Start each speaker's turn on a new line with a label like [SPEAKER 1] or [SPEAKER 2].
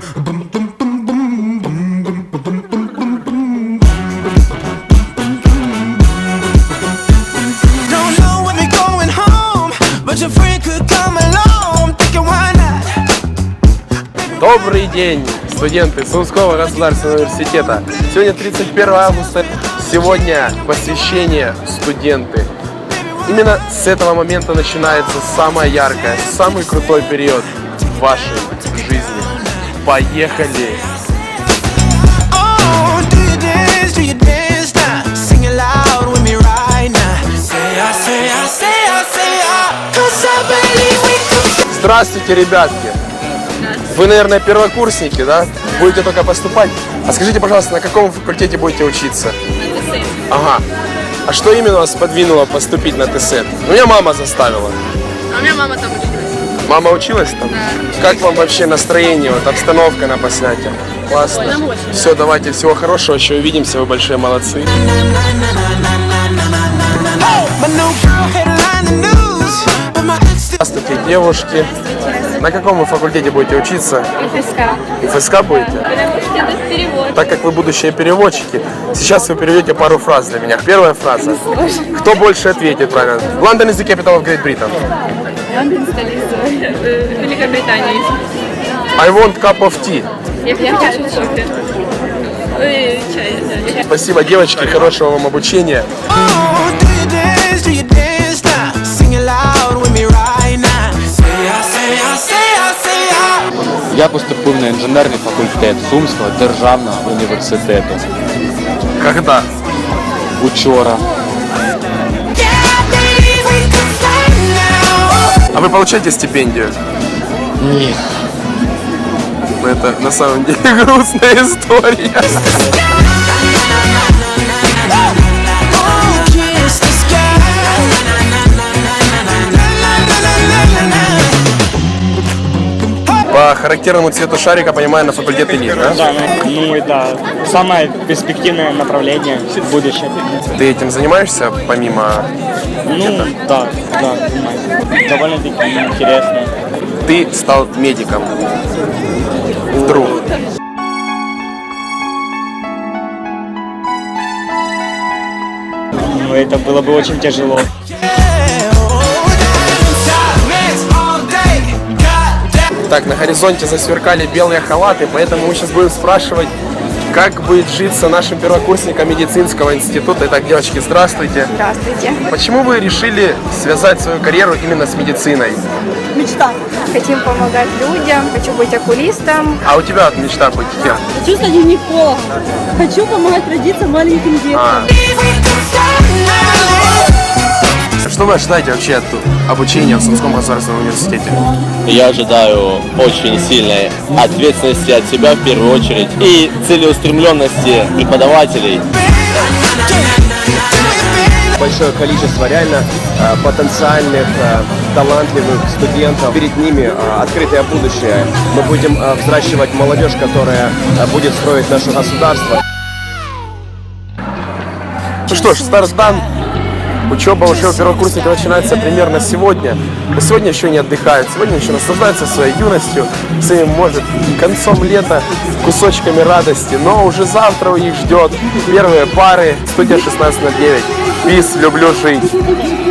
[SPEAKER 1] Добрый день, студенты Сумского государственного университета. Сегодня 31 августа, сегодня посвящение студенты. Именно с этого момента начинается самое яркое, самый крутой период в вашей жизни. Поехали! Здравствуйте, ребятки! Вы, наверное, первокурсники, да? Будете только поступать. А скажите, пожалуйста, на каком факультете будете учиться?
[SPEAKER 2] На ТСЭ.
[SPEAKER 1] Ага. А что именно вас подвинуло поступить на ТСЭ? Ну, меня мама заставила.
[SPEAKER 2] А у меня мама там училась.
[SPEAKER 1] Мама училась там?
[SPEAKER 2] Да.
[SPEAKER 1] Как вам вообще настроение, вот обстановка на Посняке? Классно.
[SPEAKER 2] Ой, нам очень.
[SPEAKER 1] Все, давайте, всего хорошего, еще увидимся, вы большие молодцы. Здравствуйте, девушки. На каком вы факультете будете учиться?
[SPEAKER 2] ФСК.
[SPEAKER 1] ФСК будете?
[SPEAKER 2] Потому что это перевод.
[SPEAKER 1] Так как вы будущие переводчики, сейчас вы переведете пару фраз для меня. Первая фраза. Кто больше ответит правильно? London is the capital of Great Britain.
[SPEAKER 2] Лондон, столица Великобритании.
[SPEAKER 1] I want cup of tea.
[SPEAKER 2] Я хочу кофе. Ой, чай, да, чай.
[SPEAKER 1] Спасибо, девочки, хорошего вам обучения.
[SPEAKER 3] Я поступив на інженерний факультет Сумського державного університету.
[SPEAKER 1] Когда?
[SPEAKER 3] Учора.
[SPEAKER 1] А вы получаете стипендию?
[SPEAKER 3] Ні.
[SPEAKER 1] Это на самом деле грустная история. По характерному цвету шарика, понимаю, на факультет элит, да?
[SPEAKER 4] Да, ну и да, самое перспективное направление в будущем.
[SPEAKER 1] Ты этим занимаешься помимо?
[SPEAKER 4] Ну, да, понимаю. Довольно-таки интересно.
[SPEAKER 1] Ты стал медиком. Вдруг.
[SPEAKER 4] Ну, это было бы очень тяжело.
[SPEAKER 1] Так, на горизонте засверкали белые халаты, поэтому мы сейчас будем спрашивать, как будет житься нашим первокурсникам медицинского института. Итак, девочки, здравствуйте.
[SPEAKER 5] Здравствуйте.
[SPEAKER 1] Почему вы решили связать свою карьеру именно с медициной?
[SPEAKER 5] Мечта. Хотим помогать людям, хочу быть окулистом.
[SPEAKER 1] А у тебя вот мечта быть кем?
[SPEAKER 6] Хочу стать гинекологом. Хочу помогать родиться маленьким детям.
[SPEAKER 1] Что вы ожидаете вообще от обучения в Сумском государственном университете?
[SPEAKER 7] Я ожидаю очень сильной ответственности от себя в первую очередь и целеустремленности преподавателей.
[SPEAKER 8] Большое количество реально потенциальных, талантливых студентов. Перед ними открытое будущее. Мы будем взращивать молодежь, которая будет строить наше государство.
[SPEAKER 1] Ну что ж, старт дан. Учеба уже у первокурсника начинается примерно сегодня. Но сегодня еще не отдыхают, сегодня еще наслаждаются своей юностью, своим, может, концом лета, кусочками радости. Но уже завтра их ждет первые пары. Студия 16/9. Пис, люблю жить.